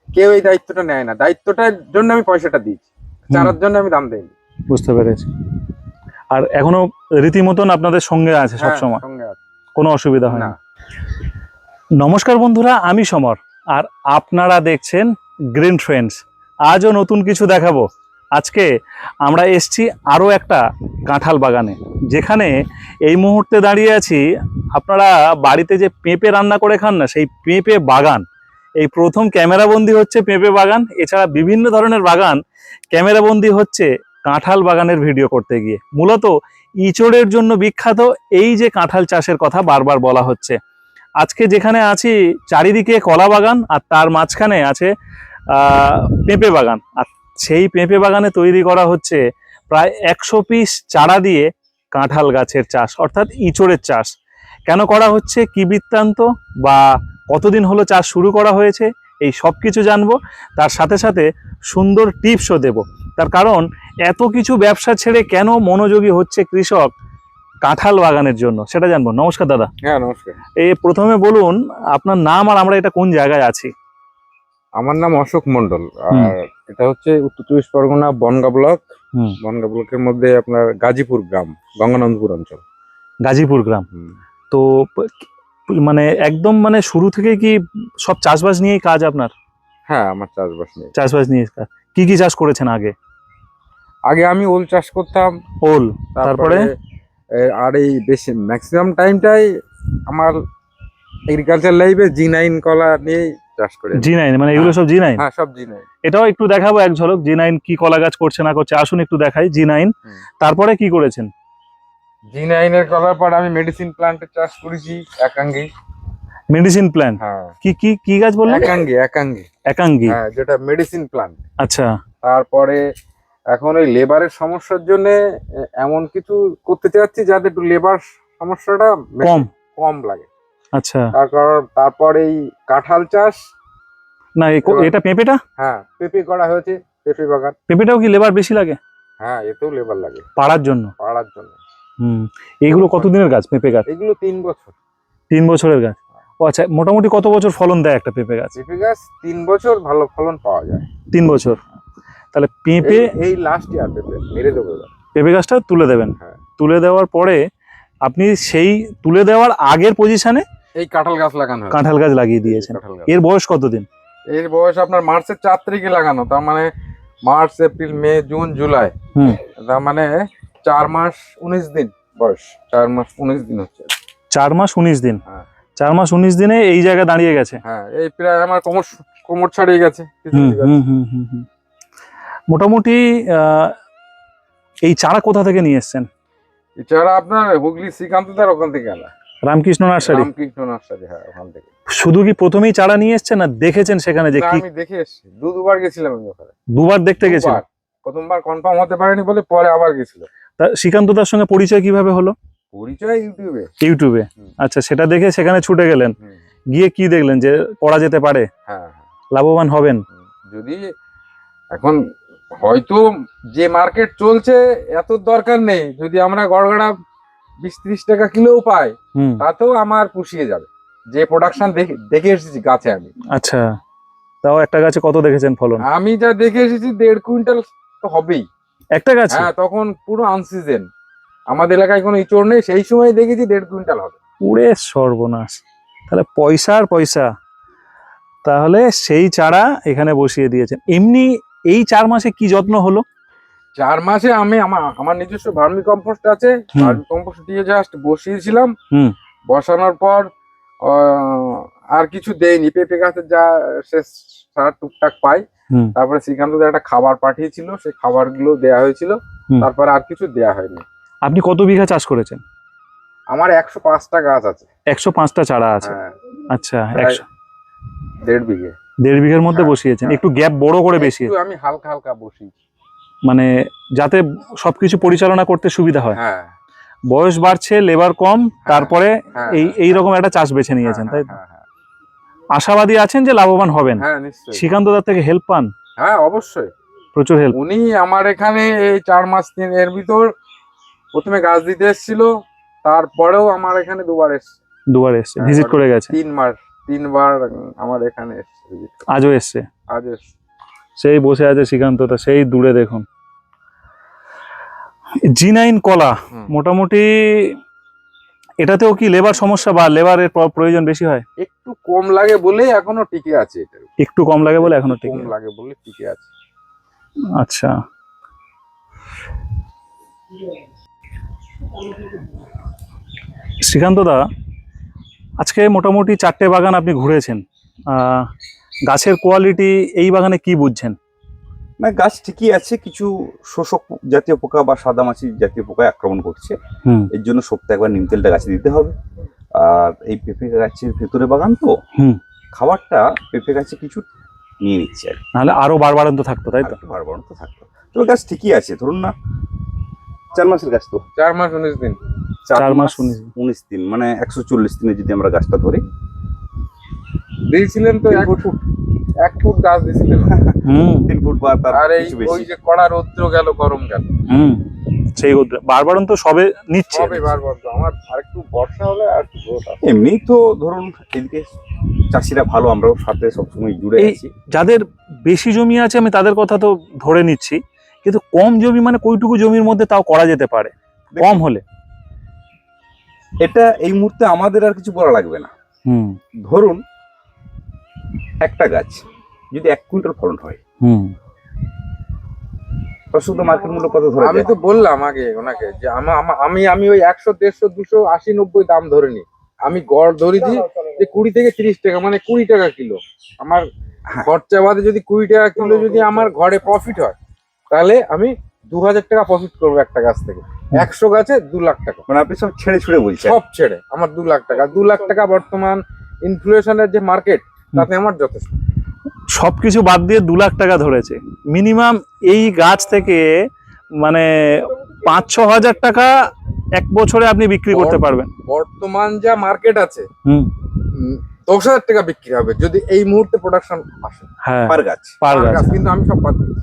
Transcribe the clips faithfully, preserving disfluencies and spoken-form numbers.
কেউ এই দায়িত্বটা নেয় না, দায়িত্বটার জন্য আমি পয়সাটা দিয়েছি, চারার জন্য আমি দাম দেইনি। বুঝতে পেরেছি। আর এখনো রীতিমতন আপনাদের সঙ্গে আছে সবসময়, সঙ্গে আছে, কোনো অসুবিধা হয় না। না। নমস্কার বন্ধুরা, আমি সমর আর আপনারা দেখছেন গ্রিন ট্রেন্ডস। আজও নতুন কিছু দেখাবো। আজকে আমরা এসছি আরও একটা কাঁঠাল বাগানে, যেখানে এই মুহূর্তে দাঁড়িয়ে আছি। আপনারা বাড়িতে যে পেঁপে রান্না করে খান না, সেই পেঁপে বাগান এই প্রথম ক্যামেরাবন্দি হচ্ছে পেঁপে বাগান। এছাড়া বিভিন্ন ধরনের বাগান ক্যামেরাবন্দি হচ্ছে কাঁঠাল বাগানের ভিডিও করতে গিয়ে। মূলত ইঁচড়ের জন্য বিখ্যাত এই যে কাঁঠাল চাষের কথা বারবার বলা হচ্ছে। আজকে যেখানে আছি চারিদিকে কলা বাগান, আর তার মাঝখানে আছে পেঁপে বাগান। আর সেই পেঁপে বাগানে তৈরি করা হচ্ছে প্রায় একশো পিস চারা দিয়ে কাঁঠাল গাছের চাষ, অর্থাৎ ইঁচড়ের চাষ। কেন করা হচ্ছে, কি বৃত্তান্ত, বা কতদিন হলো চাষ শুরু করা হয়েছে, এই সব কিছু জানবো। তার সাথে সাথে সুন্দর টিপসও দেব। তার কারণ এত কিছু ব্যবসা ছেড়ে কেন মনোযোগী হচ্ছে কৃষক কাঁঠাল বাগানের জন্য, সেটা জানবো। নমস্কার দাদা। হ্যাঁ নমস্কার। এই প্রথমে বলুন আপনার নাম, আর আমরা এটা কোন জায়গায় আছি? আমার নাম অশোক মন্ডল, আর এটা হচ্ছে উত্তর চব্বিশ পরগনা বনগাঁ ব্লক। বনগাঁ ব্লকের মধ্যে আপনার গাজীপুর গ্রাম, গঙ্গানন্দপুর অঞ্চল। গাজীপুর গ্রাম। তো মানে একদম মানে শুরু থেকে কি সব চাষবাস নিয়েই কাজ আপনার? হ্যাঁ, আমার চাষবাস নিয়ে চাষবাস নিয়ে কাজ। কি কি চাষ করেছেন আগে? আগে আমি ওল চাষ করতাম। ওল, তারপরে আর এই বেশি ম্যাক্সিমাম টাইমটাই আমার এগ্রিকালচার লাইফে জি নাইন কলা নিয়ে চাষ করে। জি নাইন মানে এগুলো সব জি নাইন? হ্যাঁ, সব জি নাইন। এটাও একটু দেখাবো এক ঝলক, জি নাইন কি কলা গাছ করছে না করছে, আসুন একটু দেখাই জি নাইন। তারপরে কি করেছেন? জি নাইন এর করার পর আমি মেডিসিন প্ল্যান্টের চাষ করেছি, একাঙ্গি। Medicine plant? হ্যাঁ। কি কি কি গাছ বললেন? একাঙ্গি। একাঙ্গি একাঙ্গি, হ্যাঁ, যেটা মেডিসিন প্ল্যান্ট। আচ্ছা। তারপরে এখন ওই লেবারের সমস্যার জন্য এমন কিছু করতে চাচ্ছি যাতে একটু লেবার সমস্যাটা কম কম লাগে। আচ্ছা। তারপর তারপর এই কাঁঠাল চাষ। না এটা পেঁপেটা? হ্যাঁ, পেঁপে করা হয়েছে, পেঁপে বাগান। পেঁপেটাও কি লেবার বেশি লাগে? হ্যাঁ, এতেও লেবার লাগে পাড়ার জন্য। পাড়ার জন্য। হুম, এগুলো কতদিনের গাছ পেঁপে গাছ? এগুলো তিন বছর। তিন বছরের গাছ। ও আচ্ছা, মোটামুটি কত বছর ফলন দেয় একটা পেঁপে গাছ? পেঁপে গাছ তিন বছর ভালো ফলন পাওয়া যায়। তিন বছর? তাহলে পেঁপে এই লাস্ট ইয়ার পেঁপে মেরে দেবো। পেঁপে গাছটা তুলে দেবেন। হ্যাঁ। তুলে দেওয়ার পরে আপনি সেই তুলে দেওয়ার আগের পজিশনে এই কাঁঠাল গাছ লাগানো, কাঁঠাল গাছ লাগিয়ে দিয়েছেন। এর বয়স কতদিন? এর বয়স আপনার মার্চের চার তারিখে লাগানো, তার মানে March April May June July, হুম, তার মানে চার মাস উনিশ দিন বয়স। চার মাস উনিশ দিন হচ্ছে। চার মাস উনিশ দিন? হ্যাঁ, চার মাস উনিশ দিনে এই জায়গায় দাঁড়িয়ে গেছে। হ্যাঁ, এই প্রায় আমার কোমর কোমর ছাড়িয়ে গেছে। মোটামুটি এই চারা কোথা থেকে নিয়ে এসছেন? এই চারা আপনার হুগলি শ্রীকান্তদার ওখান থেকে আনা। রামকৃষ্ণ নার্সারি? রামকৃষ্ণ নার্সারি, হ্যাঁ, ওখান থেকে। শুধু কি প্রথমেই চারা নিয়ে এসছেন, না দেখেছেন সেখানে যে কি? আমি দেখে এসেছি, দু দুবার গেছিলাম আমি ওখানে। দুবার দেখতে গেছিলাম? প্রথমবার কনফার্ম হতে পারেনি বলে পরে আবার গেছিল। তা শ্রীকান্তদার সঙ্গে পরিচয় কিভাবে হলো? পরিচয় ইউটিউবে। ইউটিউবে? আচ্ছা, সেটা দেখে সেখানে ছুটে গেলেন। গিয়ে কি দেখলেন যে করা যেতে পারে? হ্যাঁ, লাভবান হবেন? যদি এখন হয়তো যে মার্কেট চলছে এত দরকার নেই, যদি আমরা গড়গড়া বিশ ত্রিশ টাকা কিলোও পাই তাতেও আমার পুষিয়ে যাবে, যে প্রোডাকশন দেখে এসেছি গাছে আমি। আচ্ছা, তাও একটা গাছে কত দেখেছেন ফলন? আমি যা দেখে এসেছি দেড় কুইন্টাল তো হবেই একটা গাছে। হ্যাঁ, তখন পুরো আনসিজন, আমাদের এলাকায় কোনো ইঁচড় নেই, সেই সময় দেখেছি দেড় কুইন্টাল হবে। পুরে সর্বনাশ, তাহলে পয়সা আর পয়সা। তাহলে সেই চারা এখানে বসিয়ে দিয়েছেন। এমনি এই চার মাসে কি যত্ন হলো? চার মাসে আমি আমার আমার নিজস্ব ভার্মি কম্পোস্ট আছে, ভার্মি কম্পোস্ট দিয়ে জাস্ট বসিয়েছিলাম। বসানোর পর আর কিছু দেয়নি, পেঁপে গাছের যা শেষ সার টুকটাক পাই। তারপরে শ্রীকান্ত একটা খাবার পাঠিয়েছিল, সেই খাবার গুলো দেওয়া হয়েছিল, তারপর আর কিছু দেওয়া হয়নি। আপনি কত বিঘা চাষ করেছেন? আমার একশো পাঁচটা গাছ আছে। একশো পাঁচটা চারা আছে? আচ্ছা, একশো দেড় বিঘে দেড় বিঘের মধ্যে বসিয়েছেন। একটু গ্যাপ বড় করে বেশি আমি হালকা হালকা বসিয়েছি, মানে যাতে সবকিছু পরিচালনা করতে সুবিধা হয়। হ্যাঁ, বয়স বাড়ছে, লেবার কম, তারপরে এই এইরকম একটা চাষ বেছে নিয়েছেন, তাই তো? আশাবাদী আছেন যে লাভবান হবেন? হ্যাঁ, নিশ্চয়ই। শ্রীকান্তদার থেকে হেল্প পান? হ্যাঁ, অবশ্যই, প্রচুর হেল্প। উনি আমার এখানে এই চার মাস তিন এর ভিতর প্রথমে গাছ দিতে এসেছিল, তারপরেও আমার এখানে দুবার এসছে। দুবার এসছে, ভিজিট করে গেছে। তিন মাস তিনবার আমার এখানে এসছে visit করতে। আজও এসছে, আজ এসছে। সেই বসে আছে শ্রীকান্তদা, সেই দূরে দেখুন। জি নাইন কলা হুম। মোটামুটি এটাতেও কি লেবার সমস্যা বা লেবারের প্রয়োজন বেশি হয়? একটু কম লাগে বলে এখনো টিকে আছে এটা। একটু কম লাগে বলে এখনো একটু ঠিক কম লাগে বলে টিকে আছে। আচ্ছা, শ্রীকান্তদা আজকে মোটামুটি চারটে বাগান আপনি ঘুরেছেন, আহ, গাছের কোয়ালিটি এই বাগানে কি বুঝছেন? না, গাছ ঠিকই আছে, কিছু শোষক জাতীয় পোকা বা সাদামাছি জাতীয় পোকা আক্রমণ করছে। হুম এর জন্য সপ্তাহে একবার নিম তেলটা গাছে দিতে হবে। আর এই পেঁপে গাছের ভেতরে বাগান তো, হুম খাবারটা পেঁপে গাছে কিছু নিয়ে নিচ্ছে আর কি। নাহলে আরো বাড়বাড়ন্ত থাকতো, তাই তো? আর একটু বাড়বাড়ন্ত তো থাকতো, তবে গাছ ঠিকই আছে। ধরুন না, চার মাসের গাছ তো, চার মাস উনিশ দিন। চার মাস উনিশ দিন। উনিশ দিন মানে একশো চল্লিশ দিনে যদি আমরা গাছটা ধরি। দিয়েছিলেন তো তিন এক ফুট। ফুট এক ফুট গাছ দিয়েছিলেন। হুম তিন ফুট বা তার আর এই কিছু ওই বেশি। যে কড়া রৌদ্র গেল, গরম গেল, হুম সেই বাড়বাড়ন্ত সবে নিচ্ছে। সবে বারবার তো আমার আরেকটু বর্ষা হলে আর একটু growth আসবে। এমনি তো ধরুন এদিকে চাষিরা ভালো, আমরাও সাথে সবসময় জুড়ে এই আছি। যাদের বেশি জমি আছে আমি তাদের কথা তো ধরে নিচ্ছি, কিন্তু কম জমি মানে কইটুকু জমির মধ্যে তাও করা যেতে পারে কম হলে। এটা এই মুহূর্তে আমাদের আর কিছু বলা লাগবে না। হুম ধরুন একটা গাছ যদি এক কুইন্টাল ফলন হয়, হুম প্রস্তুত মার্কেট মূল্য কত ধরে আমি তো বললাম আগে ওনাকে যে আমা- আমা- আমি আমি ওই একশো দেড়শো দুশো আশি নব্বই দাম ধরে নি, আমি গড় ধরেছি যে কুড়ি থেকে তিরিশ টাকা, মানে কুড়ি টাকা কিলো আমার হ্যাঁ। খরচা বাদে যদি কুড়ি টাকা কিলো যদি আমার ঘরে প্রফিট হয়, তাহলে আমি দু হাজার টাকা প্রফিট করবো একটা গাছ থেকে। একশো গাছে দু লাখ টাকা, মানে আপনি সব ছেড়ে ছুড়ে বলছেন। সব ছেড়ে আমার দু লাখ টাকা। দু লাখ টাকা বর্তমান ইনফ্লেশনের যে মার্কেট, তাতে আমার যথেষ্ট। সবকিছু বাদ দিয়ে দু লাখ টাকা ধরেছে মিনিমাম। এই গাছ থেকে মানে পাঁচ ছ হাজার টাকা এক বছরে আপনি বিক্রি করতে পারবেন। বর্তমান যা মার্কেট আছে, হুম উম, দশ হাজার টাকা বিক্রি হবে যদি এই মুহূর্তে প্রোডাকশন আসে হ্যাঁ, পার গাছ। পার পার গাছ। গাছ। কিন্তু আমি সব বাদ দিয়েছি।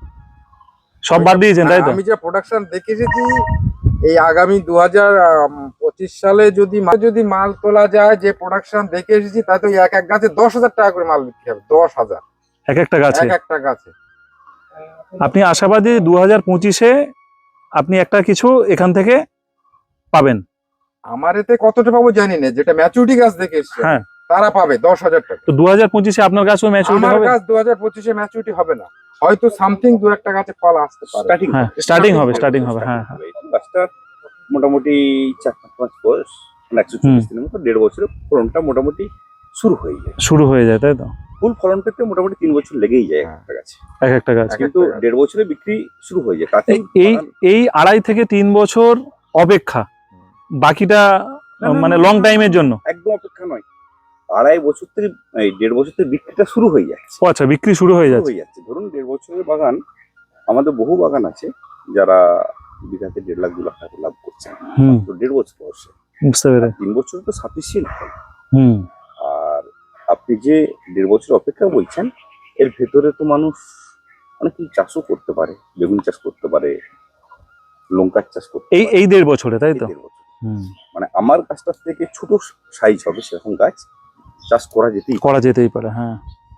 সব বাদ দিয়েছেন, তাই তো? আমি যে প্রোডাকশন দেখে এসেছি, এই আগামী দু হাজার পঁচিশ সালে যদি মা- যদি মাল তোলা যায়, যে প্রোডাকশন দেখে এসেছি, তাতে ওই এক এক গাছে দশ হাজার টাকা করে মাল বিক্রি হবে। দশ হাজার এক একটা গাছে। এক একটা গাছে। আপনি আশাবাদী দু হাজার পঁচিশে আপনি একটা কিছু এখান থেকে পাবেন? আমার এতে কতটা পাবো জানি না, যেটা ম্যাচুরিটি গাছ দেখে এসছে হ্যাঁ। তারা পাবে দশ হাজার টাকা। তো দু হাজার পঁচিশে আপনার গাছও ম্যাচুরিটি আমার হবে? গাছ দু হাজার পঁচিশে ম্যাচুরিটি হবে না, হয়তো সামথিং দু একটা গাছে ফল আসতে পারে। স্টার্টিং হ্যাঁ স্টার্টিং হবে, স্টার্টিং হবে। হ্যাঁ হ্যাঁ গাছটা মোটামুটি চার পাঁচ মাস বয়স, মানে একশো চল্লিশ দিনের মতো, দেড় বছরে ফলনটা মোটামুটি শুরু হয়ে যায়। শুরু হয়ে যায়, তাই তো? ফুল ফলন পেতে মোটামুটি তিন বছর লেগেই যায় একটা গাছে, এক একটা গাছ। এক কিন্তু একটা গাছ। দেড় বছরে বিক্রি শুরু হয়ে যায়। তাতে এই- এই এই আড়াই থেকে তিন বছর অপেক্ষা, বাকিটা না, না, মানে না, লং না, টাইমের জন্য। একদম অপেক্ষা নয়, আড়াই বছর থেকে এই দেড় বছর থেকে বিক্রিটা শুরু হয়ে যাচ্ছে। ও আচ্ছা, বিক্রি শুরু হয়ে শুরু যাচ্ছে। হয়ে যাচ্ছে। ধরুন দেড় বছরের বাগান, আমাদের বহু বাগান আছে যারা বিঘাতে দেড় লাখ দু লাখ টাকা লাভ করছে, হুম তো দেড় বছর বয়সে। বুঝতে পেরে। তিন বছর তো সাফিসিয়েন্ট হয়। হুম আর আপনি যে দেড় বছর অপেক্ষা বলছেন, এর ভেতরে তো মানুষ অনেক কিছু চাষও করতে পারে, বেগুন চাষ করতে পারে, লঙ্কার চাষ করতে এই পারে। এই দেড় বছরে, তাই এই তো? দেড় বছর। হুম মানে আমার গাছটার থেকে ছোট সাইজ হবে সেরকম গাছ চাষ করা যেতেই পারে। করা যেতেই পারে। হ্যাঁ,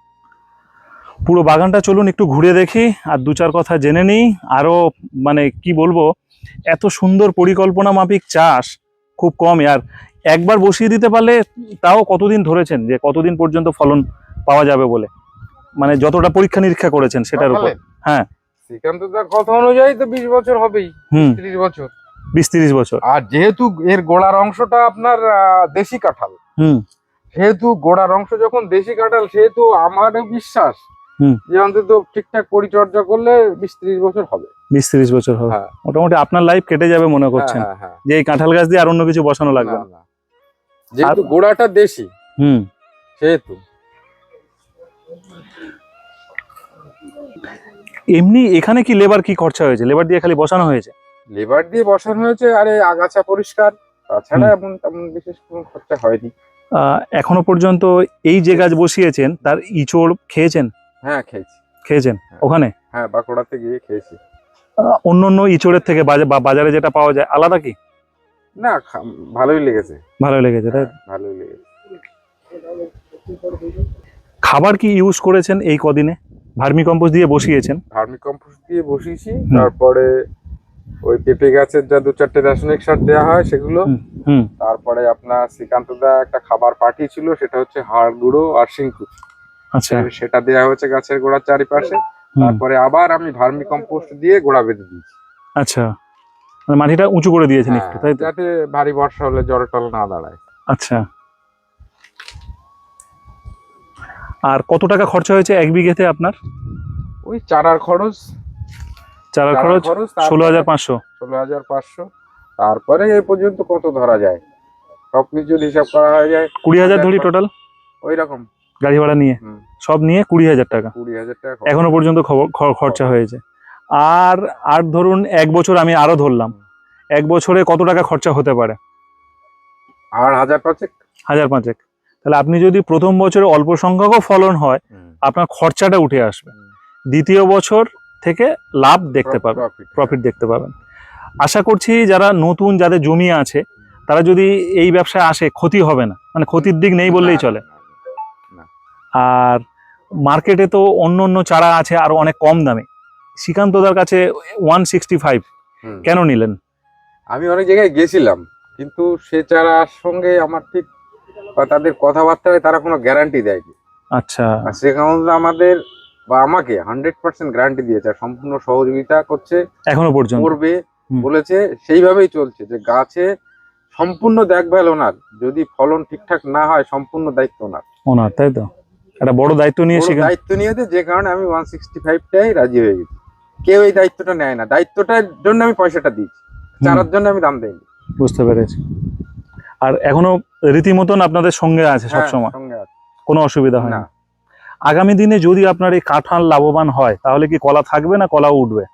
পুরো বাগানটা চলুন একটু ঘুরে দেখি আর দু চার কথা জেনে নিই। আরো মানে কি বলবো, এত সুন্দর পরিকল্পনা মাফিক চাষ খুব কম। আর একবার বসিয়ে দিতে পারলে তাও কতদিন ধরেছেন, যে কতদিন পর্যন্ত ফলন পাওয়া যাবে বলে, মানে যতটা পরীক্ষা নিরীক্ষা করেছেন সেটার উপর। হ্যাঁ। শ্রীকান্ত দার কথা অনুযায়ী তো বিশ বছর হবেই, হুম ত্রিশ বছর। বিশ তিরিশ বছর। আর যেহেতু এর গোড়ার অংশটা আপনার আহ, দেশি কাঁঠাল, হুম সেহেতু গোড়ার অংশ যখন দেশি কাঁঠাল, সেহেতু আমার বিশ্বাস হুম। যে অন্তত ঠিকঠাক পরিচর্যা করলে বিশ ত্রিশ বছর হবে। বিশ তিরিশ বছর হবে। হ্যাঁ মোটামুটি আপনার লাইফ কেটে যাবে মনে করছেন, হ্যাঁ, হ্যাঁ, যে এই কাঁঠাল গাছ দিয়ে আর অন্য কিছু বসানো হ্যাঁ। লাগবে না, না। না। যেহেতু গোড়াটা দেশি, হুম সেহেতু এমনি এখানে কি লেবার কি খরচা হয়েছে? লেবার দিয়ে খালি বসানো হয়েছে? লেবার দিয়ে বসানো হয়েছে, আরে আগাছা পরিষ্কার, তাছাড়া এমন তেমন বিশেষ কোনো খরচা হয়নি। আহ, এখনো পর্যন্ত এই যে গাছ বসিয়েছেন তার ইচড় খেয়েছেন? হ্যাঁ খেয়েছি, খেয়েছেন ওখানে? হ্যাঁ বাঁকুড়াতে গিয়ে খেয়েছি। আহ, অন্য অন্য ইচড়ের থেকে বাজা- বা বাজারে যেটা পাওয়া যায় আলাদা কি? না খা- ভালোই লেগেছে, ভালো লেগেছে, তাই তো? ভালোই লেগেছে। খাবার কি ইউজ করেছেন এই কদিনে? ভার্মি কম্পোস্ট দিয়ে বসিয়েছেন? ভার্মি কম্পোস্ট দিয়ে বসিয়েছি, তারপরে ওই পেঁপে গাছের যা দু চারটে রাসায়নিক সার দেওয়া হয় সেগুলো, হুম। তারপরে আপনার শ্রীকান্ত দা একটা খাবার পাঠিয়েছিল, সেটা হচ্ছে হাড় গুঁড়ো আর শিংকুচ, আচ্ছা। সেটা দেওয়া হয়েছে গাছের গোড়ার চারিপাশে। তারপরে আবার আমি ভার্মি কম্পোস্ট দিয়ে গোড়া বেঁধে দিয়েছি। আচ্ছা, মানে মাটিটা উঁচু করে দিয়েছেন একটু, তাই তো? যাতে ভারী বর্ষা হলে জল টল না দাঁড়ায়। আচ্ছা। আর কত টাকা খরচা হয়েছে এক বিঘেতে আপনার? ওই চারার খরচ চারার খরচ ষোলো হাজার পাঁচশো ষোলো হাজার পাঁচশো তারপরে এই পর্যন্ত কত ধরা যায়, সবকিছু যদি হিসাব করা হয়ে যায় কুড়ি হাজার ধরি টোটাল, ওই রকম গাড়ি ভাড়া নিয়ে সব নিয়ে কুড়ি হাজার টাকা কুড়ি হাজার টাকা এখনো পর্যন্ত খরচা হয়েছে। আর আর ধরুন এক বছর আমি আরো ধরলাম, এক বছরে কত টাকা খরচা হতে পারে? আর হাজার পাঁচেক হাজার পাঁচেক তাহলে আপনি যদি প্রথম বছরে অল্প সংখ্যকও ফলন হয়, আপনার খরচাটা উঠে আসবে, দ্বিতীয় বছর থেকে লাভ দেখতে পাবেন, প্রফিট দেখতে পাবেন। আশা করছি যারা নতুন, যাদের জমি আছে, তারা যদি এই ব্যবসায় আসে ক্ষতি হবে না, মানে ক্ষতির দিক নেই বললেই চলে। আর মার্কেটে তো অন্য অন্য চারা আছে আরো অনেক কম দামে, শ্রীকান্তদার কাছে ওয়ান সিক্সটি ফাইভ কেন নিলেন? আমি অনেক জায়গায় গেছিলাম, কিন্তু সে চারার সঙ্গে আমার ঠিক বা তাদের কথাবার্তায় তারা কোনো গ্যারান্টি দেয়নি। আচ্ছা। আর শ্রীকান্ত আমাদের বা আমাকে হান্ড্রেড পার্সেন্ট গ্যারান্টি দিয়েছে, সম্পূর্ণ সহযোগিতা করছে এখনো পর্যন্ত, করবে বলেছে, সেইভাবেই চলছে। যে গাছে সম্পূর্ণ দেখভাল ওনার, যদি ফলন ঠিকঠাক না হয় সম্পূর্ণ দায়িত্ব ওনার ওনার তাই তো? একটা বড় দায়িত্ব নিয়ে দায়িত্ব নিয়েছে, যে কারণে আমি ওয়ান সিক্সটি ফাইভটাই রাজি হয়ে গেছি। কেউ এই দায়িত্বটা নেয় না, দায়িত্বটার জন্য আমি পয়সাটা দিয়েছি, চারার জন্য আমি দাম দেইনি। বুঝতে পেরেছি। আর এখনো রীতিমতন আপনাদের সঙ্গে আছে সবসময়, কোনো অসুবিধা হয় না? আগামী দিনে যদি আপনার এই কাঁঠাল লাভবান হয়, তাহলে কি কলা থাকবে না কলা উঠবে?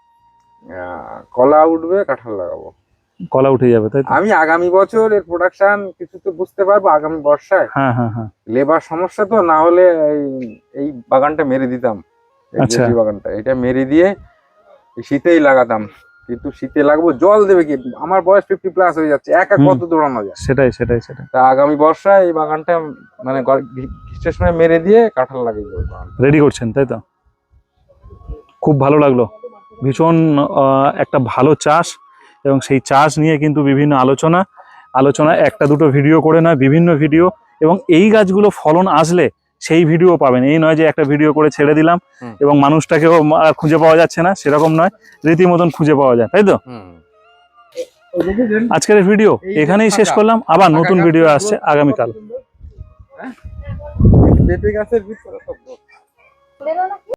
কলা উঠবে, কাঁঠাল লাগাবো। কলা উঠে যাবে তাই তো? আমি আগামী বছর এর প্রোডাকশন কিছু তো বুঝতে পারবো আগামী বর্ষায়। হ্যাঁ হ্যাঁ হ্যাঁ। লেবার সমস্যা তো, না হলে এই বাগানটা মেরে দিতাম, এই বাগানটা এটা মেরে দিয়ে শীতেই লাগাতাম, কিন্তু শীতে লাগবো, জল দেবে কি? আমার বয়স ফিফটি প্লাস হয়ে যাচ্ছে, একা কত দৌড়ানো যায়? সেটাই সেটাই সেটাই। তা আগামী বর্ষায় এই বাগানটা মানে গ্রীষ্মের সময় মেরে দিয়ে কাঁঠাল লাগিয়ে দেবো। রেডি করছেন তাই তো? খুব ভালো লাগলো, ভীষণ একটা ভালো চাষ, এবং সেই চাষ নিয়ে কিন্তু বিভিন্ন আলোচনা আলোচনা একটা দুটো ভিডিও করে নয়, বিভিন্ন ভিডিও, এবং এই গাছগুলো ফলন আসলে সেই ভিডিও পাবেন। এই নয় যে একটা ভিডিও করে ছেড়ে দিলাম এবং মানুষটাকেও খুঁজে পাওয়া যাচ্ছে না, সেরকম নয়, রীতিমতন খুঁজে পাওয়া যায়, তাই তো? আজকের ভিডিও এখানেই শেষ করলাম, আবার নতুন ভিডিও আসছে আগামীকাল।